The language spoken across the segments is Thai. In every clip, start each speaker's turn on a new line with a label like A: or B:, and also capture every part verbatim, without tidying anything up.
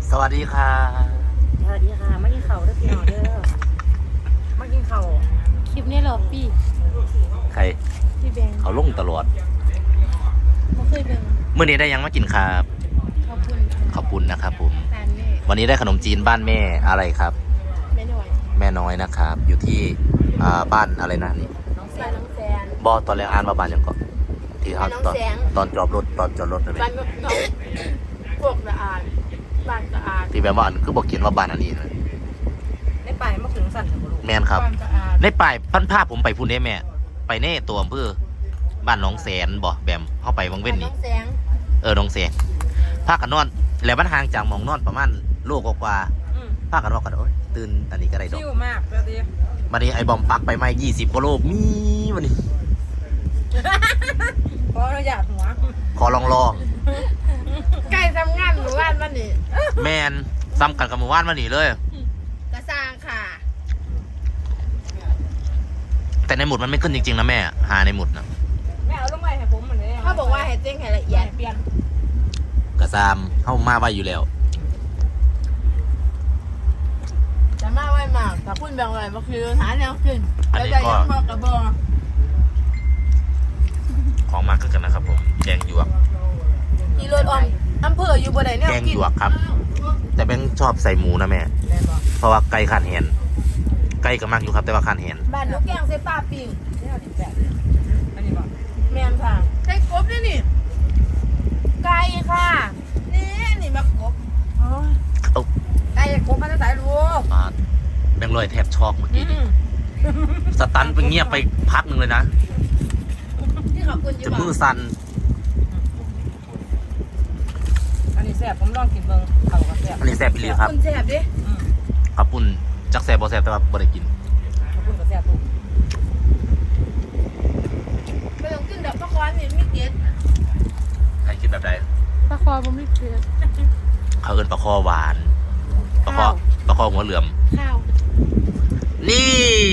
A: สวัสดีค่ะ
B: สวัสดีค่ะมากินข้าวเด้อพี่น้องเด้อมากินข้าวคลิปนี้เหรอพี่
A: ใคร
B: พี่แบงค์
A: เขาลงตลอด
B: ไม่เคยเบิ่ง
A: เมื่อนี้ได้ยังมากินครับ
B: ขอบคุณ
A: ขอบคุณนะครับผมวันนี้ได้ขนมจีนบ้านแม่อะไรครับ
B: แม่น้อย
A: แม่น้อยนะครับอยู่ที่บ้านอะไรนะนี่
B: น้องแซนน้องแซน
A: บอตอนแรกอ่านว่าบ้านยังก่อนที่เขาตอนตอนจอดรถตอนจอดรถเลย
B: บ้านน้องพวกสะอาดบ้านสะอาด
A: ที่แบบว่าอันคือบอกเขียนว่าบ้านอันนี้เลย
B: ในป่ายมาถึงสั่นกับลูก
A: แม่นครับในป่ายพันภาพผมไปพูนได้แม่ไปเน่ตัวอำเภอบ้านน้องแสนบ่แบมเข้าไปวังเว้นนี่เออน้องแสนภาคกันนอนแล้วมันห่างจากหมองนอนประมาณโลกกว่าภาคกันนอนกันโอ้ยตื่นอันนี้ก็ได้ดอก
B: ชิวมากเลยดิ
A: วันนี้ไอ้บอมปักไปไม่ยี่สิบกิโลมีวันนี้
B: เพราะเราอยากหัว
A: ขอลองรอ
B: ใกล้ทำงานหมู่บ้านวันนี้
A: แมนซ้ำกันกับหมู่บ้านวันนี้เลย
B: กระซังค่ะ
A: แต่ในหมุดมันไม่ขึ้นจริงๆนะแม่หาในหมุดนะ
B: แม่เอาลงไปให้ผมเหมือนเดิมเขาบอกว่าให้เจ้งให้ละเอียดเปลี่ยน
A: กระซามเข้ามาไว้อยู่แล้ว
B: จะมาไว้มากแต่คุณแบ่งไว้ก็คือหาแนวขึ้นแล้วจะยังบอกกับบอ
A: ของมากขึ้นกันนะครับผมแกงหยวก
B: ที่รถออมอำเภออยู่บนไหนเนี่ย
A: แกงหยวกครับแต่แบงชอบใส่หมูนะแม่เพราะว่าไก่ขันเห็นไก่ก็มากอยู่ครับแต่ว่าขันเห็น
B: บ้านลูกแกงเซปาปิงอันนี้บอกแม่ค่ะใส่กบนี่นี่ไก่ค่ะนี่นี่มากบไก่กบมันจะใส่ลูก
A: แบงลอยแทบช็อกเมื่อกี้นี่สตันไปเงียบไปพักหนึ่งเลยนะจะมือสั่น
B: อันนี้แซ่บผมลองกินเบิ้งเขาก็แซ่บ
A: อันนี้แซ่บไปเลยครับ
B: คุณแซ่บดิ
A: ขับปุ่นจักแซ่บบ่แซ่บแต่ว่าบ่ได้กิน
B: ขับปุ่นก็แซ่บลูกไปลองกินดอกปลาคอนี่ไม่เก็ด
A: ใครกินแบบใด
B: ปลาคอผมไม่เก็ด
A: เขาเอิ้นปลาคอหวานปลาคอปลาคอหัวเหลือม
B: ข้าว
A: นี่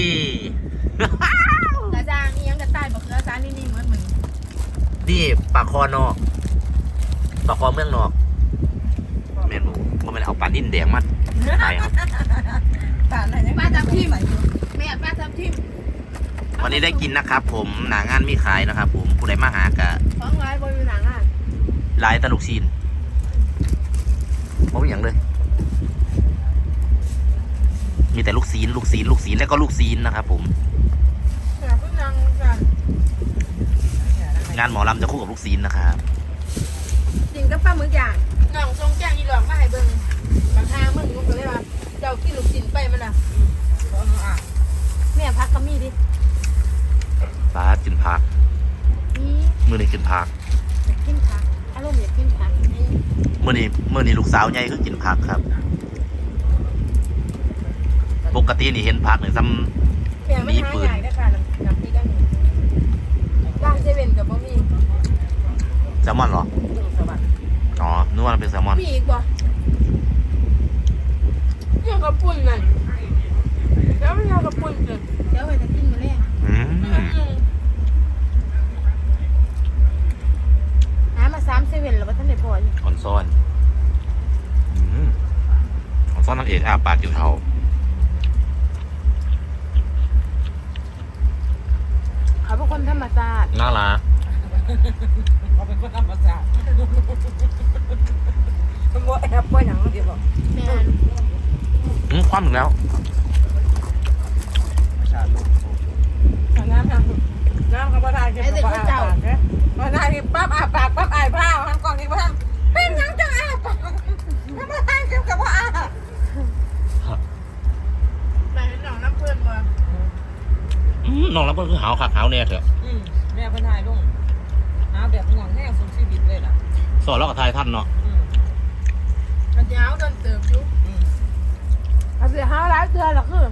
B: กระจางนี่ยังกระต่ายบอกกระจางนี่นี่เหมือนเหมือน
A: นี่ปลาคอนอกปลาคอเมืองนอกเมนูมันไม่ได้เอาปลาดิ้นแดงมาใช่ครับ
B: ปลาอะไรเนี่ยปลาทับทิมแม่ปลาทับทิม
A: วันนี้ได้กินนะครับผมหนางานมีขายนะครับผมผู้ใดมาหากะ
B: ของร้ายบริหนังอ่ะ
A: ลายตลุกซีนไม่มีอย่างเลยมีแต่ลูกซีนลูกซีนลูกซีนแล้วก็ลูกซีนนะครับผมงานหมอลำจะคู่กับลูกซีนนะครับ
B: จริงก็ป้ามืออย่างน้องทรงแจ้งอีหลอกมาให้เบิ้งบางทางมึงมึงก็เลยว่าเจ้ากินลูกซีนไปมันอ่ะแม่พักก็มีดิ
A: ปลากินผักมือนี่กินผัก
B: อยากกินผักอารมณ์อยากกินผัก
A: มือนี่มือนี่ลูกสาวใหญ่ก็กินผักครับปกตินี่เห็นผักเนี่ยซ้ำมีปืน
B: ร้านเซเว่นกับบะหมี่
A: แซลมอนเหรออ๋อนึกว่ามันเป็นแซลมอน
B: มีอีกบ่ยังกระปุ่นน่ะแล้วไม่ยังกระปุ่นเลยเดี๋ยวไปจะกินมาเลยหามาสามเซเว่นแล้วว่าท่านไหนพออยู่
A: ออนซ่อนออนซ่อนนั่งเอกอาปากอยู่เท่า
B: เขาเป็นคนธรรมชาติ
A: น่ารัก
B: เขาเป็นคนธรรมชาติมันว่าแอบป่วยหนังเดี๋ยวบอกแม่
A: อืมคว่ำถึงแล้ว
B: น้ำน้ำน้ำเขาประทานกินกับอาปากเนี่ยประทานกินปั๊บอาปากปั๊บไอ้ผ้าทำกล่องนี้ประทานเป็นยังจังอาปากประทานกินกับว่าอาแม่เห็นหนองน้ำเพื่อนบ่
A: อืมน้องรับก็คือหาวขาขาวเนี่ยเถอะ
B: แม่พันทายลุงหาแบบห่วงแน่สุดชีวิตเลยล่ะ
A: สอนแล้วกับทายท่านเนาะ
B: มันจะหาวจนเติบยุบอาจจะหาวหลายเดือนหรอกคือ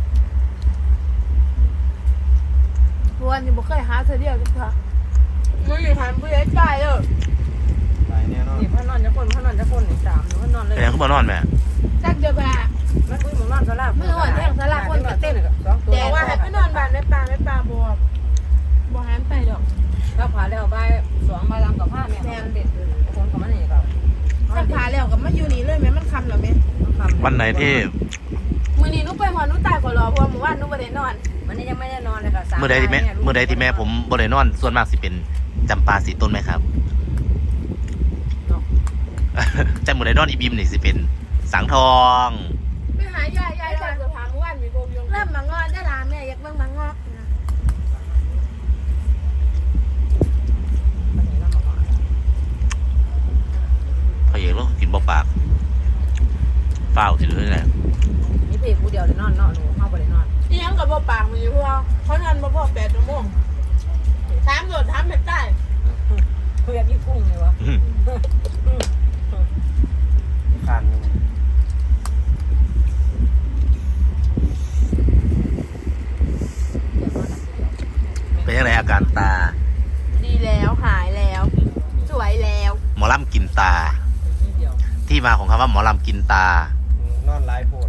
B: วันนี้บ่เคยหาเธอเดียวจ้ะค่ะมึงอย่าหันผู้ใหญ่ใจเด้อนี่พ่อนอนจะคนพ่อนอนจะคนอีกสามพ่อนอนเลย
A: แม่ก็มานอนแม่
B: จักเดียวกันมันคุยมึงนอนสลามึงอ่อนแท่งสลาคนกับเต้นแต่ว่าให้ไปนอนบ้านไม่ปลาไม่ปลาบัวบัวหันไปดอกก็ผ่าแล้วใบสองใบลำกับผ้าเนี่ยแม่เด็ดคนกับมันนี่ก็
A: เ
B: ผ้าแล้วกับมาอยู่นี่เลยแม่มันคำเหรอแม่
A: วันไหนที่
B: มื้อนี้หนูไปหอหนูตายก็รอเพราะเมื่อวานหนูบ่ได้นอน
C: วันนี้ยังไม่ได้นอนเลยค่ะสาม
A: เมื่อใดที่แม่เมื่อใดที่แม่ผมบ่ได้นอนส่วนมากสิเป็นจำปาสีต้นไหมครับ แต่เมื่อใดนอนอีบิมนี่สิเป็นสังทอง
B: ไปหายายยายก่อนจะพาเมื่อวานมีโบมยงเริ่มมางอนได้ล่ะแม่อยากเบิ่งมางอกนะ
A: พระเอกเรากินบ่ปากเฝ้าวสิเลยแหละ
C: นี่เพลงกูเดียวเลยนอนนอนหนูเข้าไปเลยนอน
B: อีหยังก็บ่ปากมีเพราะว่าเขานอนบ่พอแปดชั่วโมงถามโดดถามเผ็ดใต้
C: เพื่อนพี่กุ้งเลยวะ
A: อื้อ
D: ขาดหนึ่ง
A: เป็นยังไงอาการตา
B: ดีแล้วหายแล้ว สวยแล้ว
A: หมอลำกินตา
C: นิดเดียว
A: ที่มาของคำว่าหมอลำกินตา
D: นอนไลฟ์โพด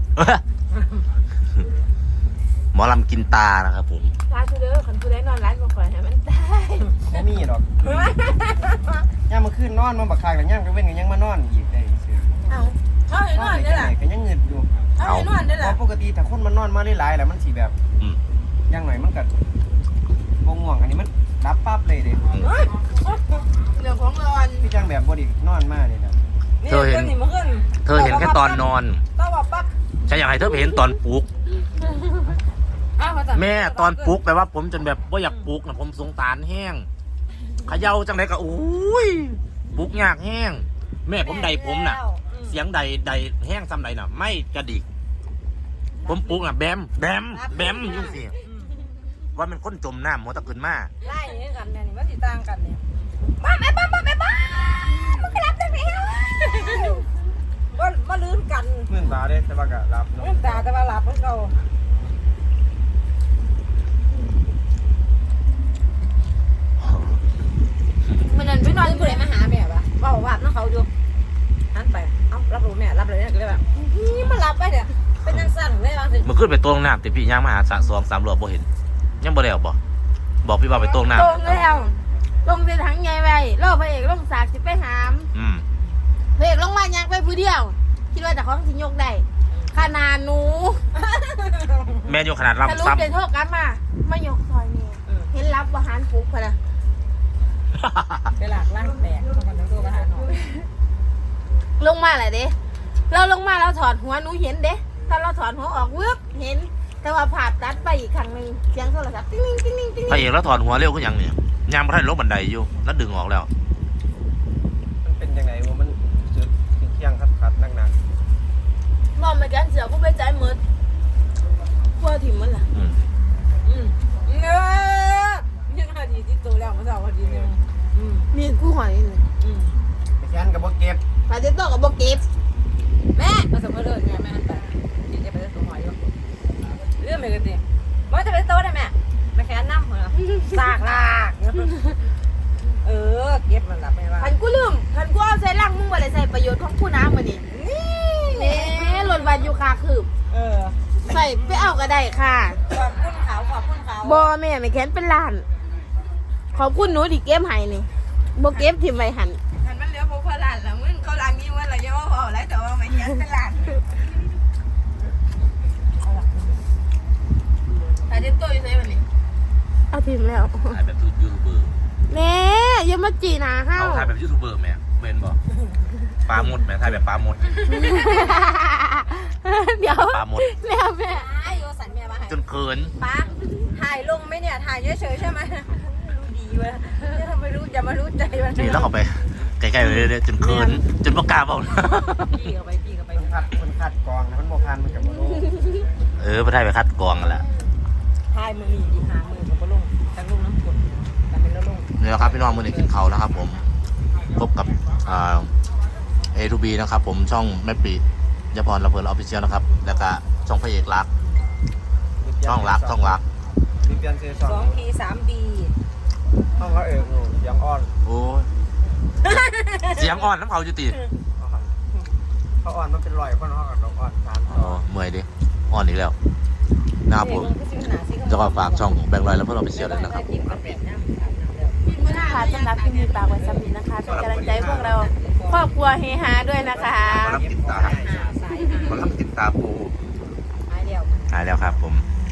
A: หมอลำกินตานะครับผม
B: ตาคือเด้อคันผู้ใดนอนร้านบ่ค่อยให้มันตาย
D: ไม่มีดอกย่ามมาขึ้นนอนมาบักคายแต่ย่ามก็เว้นกันยังมานอนอีกได้ซื่อ
B: เอ้าเขาให้
D: น
B: น
D: อ
B: อน น
D: ได้
B: ได้
D: ไหน
B: ล่ะ
D: ก็ยังเงินอยู่
B: เขาให้นอนได้
D: เพ
B: ล่ะ
D: ราะปกติถ้าคนมันนอนมาหลายๆแล้วมันสีแบบ
A: อืม
D: ย่างหน่อยมันกัดวงง่วงอันนี้มันรับปั๊บเลยเด้
A: อืม
B: เฮ้ยเรื่องของนอน
D: พี่จังแบบบอดีนอนมาเลยนะ
C: นี่เพื่อนนี่มาขึ้น
A: เธอเห็นแค่ตอนนอน
C: ต้องว่าปั๊บ
A: ฉันอยากให้เธอไปเห็นตอนปลุก
C: อ้าวมาจาก
A: แม่ตอนปลุกแปลว่าผมจนแบบว่าอยากปลุกนะผมสงสารแห้งเขย่าจังไดก็โอ้ยปลุกยากแห้งแม่ผมใดผมน่ะ เสียงใดใดแห้งซ้ำใดน่ะ ไม่กระดิก ผมปลุกน่ะแบมแบมแบมยุ่งสิว่ามันคนจมน้ำมัวตะขึ้นมา
C: ไล่อย่างนี้กันเนี่ยนี่มันสีต่างกันเนี่ยบ้าแม่บ้าบ้าแม่บ้ามันก็รับได้ไหมว่าว่าลื่นกัน
D: มื่นตาเด้แต่ว่าก็รับเนาะ
C: ลื่นตาแต่ว่าหลับมันเก่า
B: มันนั่นไปนอน
C: ลื่นผู้ใดมาหาแม่ปะว่าว่าน้องเขาอยู่หันไปเอ้ารับรู้แม่รับเลยเนี่ยก็เลยแบบนี่มารับไปเนี่ยเป็นยังสั่นเลยบางที
A: เมื่อขึ้นไปตรงน้ำแต่พี่ย่างมาหาสะสองสามรอบบ่เห็น ยังบ่แล้วบ่บอกพี่ว่าไปตรงน้
B: ตรงแล้วลงในถังใหญ่ไว้รอพระเอกลงสากสิไปหาม
A: ำอืม
B: พระเอกลงมายังไปผู้เดียว คิดว่าแต่ของสิยกได้ขนาดหนู
A: แม่อยู่ขนาด
B: ทะลุ
A: ลำซ้
B: เดินโทษกันมามายกซอยนี่เห็นรับอาหารปลุกพะนะ
A: ำ
C: ไปหลักล่างแตกตรงกันทั้งตัวประหารหน่อย
B: ลงมาแหละเด้เราลงมาเราถอดหัวหนูเห็นเด้ถ้าเราถอดหัวออกวึบเห็น แต่ว่าผ่าตัดไปอีกครั้งหนึ่งเสียงโทรศัพท์ติ้งติ้งติ้งติ้ง
A: พระเอกแล้วถอดหัวเร็วขึ้นยังเนี่ยยางพระท่านลงบันไดอยู่ แล้วดึงออกแล้ว
D: มันเป็นยังไงวะมันจุดเที่ยงคัดคัดๆนัก
B: มองไปกันเสือก็ไปใจมืดกลัวถิ่มมันล่ะ
A: อืม
C: อืมเงือยังหาดีที่ตัวแล้วมาสาวพอดีนึงอืม
B: มีกู้หอยนี่
C: อืม
D: ๆไปแค้นกับบ่เก็บ
B: พาเจโต้กับโบเก็บ
C: แม่มาสมมติเลยไงแม่หันไปดีจะไปได้ตัวหอยอยู่เรื่องอะไรกันดิว่าจะไปโต๊ะได้แม่ไปแค่น้ำเหรอสากลากเออเก็บมันหลับไม่ว่า
B: พันกูลืมพันกูเอาใส่ล่างมึงบ่ได้ใส่ประโยชน์ของกูน้ำมาดินี่หล่นวันอยู่คาคืบ
C: เออ
B: ใส่ไปเอาก็ได้ค่ะ
C: ขอบคุณเขาขอบคุณเขา
B: บอแม่ไม่แค้นเป็นล้าน ขอบคุณหนูที่เก็บให้นี่โบเก็บทิมไว้หัน
C: หันมันเหลือพวกพลานแล้วมึงเขาล้างนี้ว่าเราเยอะว่าพอแล้วแต่ว่าไม่ยันเป็นหลาน
B: พาเจโต้อยู่ไหนวันนี้เอาทิมแล้ว
A: ถ่ายแบบยูทูบเบอร์
B: แน่อย่ามาจีหนาห้า
A: เอา
B: ว
A: ถ่ายแบบยูทูบเบอร์แม่เบนบอกปลาหมดแม่ถ่ายแบบปลาหมด
B: เดี๋ยว
A: ปลาหมด
B: แล้วแม่
C: ไอโยสันเมียมาให้
A: จนเขิน
C: ป้าถ่ายลงไหมเนี่ยถ่ายเฉยๆใช่ไหมรู้ดีเว้ยจะทำไมรู้อย่ามารู้ใจมัน
A: นี่แล้วเข้าไปใกล้ๆเลยๆจนเขินจนประกล้าบอก
C: พี่เข้าไปพี่เข้าไป
D: มันคัดมันคัดกรองนะมันบ่พันมันกับบ่รู้
A: เออไปถ่ายไปคัดกรองกันแหละ
C: ถ่ายมือมีดีหามือกับปลงทั้งลุงน้ำกดแต่เป็นแล้วลง
A: นี่แหละครับพี่น้องมือหนึ่งกินเขาวนะครับ ผมพบกับอ่าเอทูบีนะครับ ผมช่องแม่ปียพรละเพลินออฟฟิเชียลนะครับ แล้วก็ช่องพระเอกรักช่องรักช่องรัก
D: มีเปลี่ยนเซ
C: ส
D: ซอ
C: อง งทีสามดี
D: ห้องเขาเอิกอยู่เสียังอ่อน
A: โอ้ยเสียงอ่อนน้ำเขาจุติ
D: เขาอ่อนมันเป็นรอยเพราะน้องกับน้องอ่อนสาม
A: อ๋อเมื่อยดิอ่อนอีกแล้วนะครับผมจะขอฝากช่องแบงค์ลอยแล้วเพื่อนเราไปเชียร์เลยนะครับ
B: ค่ะสำหรับที่มีปากไว้สำนีนะคะเป็นกำลังใจให้พวกเราครอบครัวเฮฮาด้วยนะคะ
A: หมอลำติดตา
C: หาสายหา
A: หมอลำติดตาปู
C: หายเดียว
A: หายแล้วครับผม
C: ห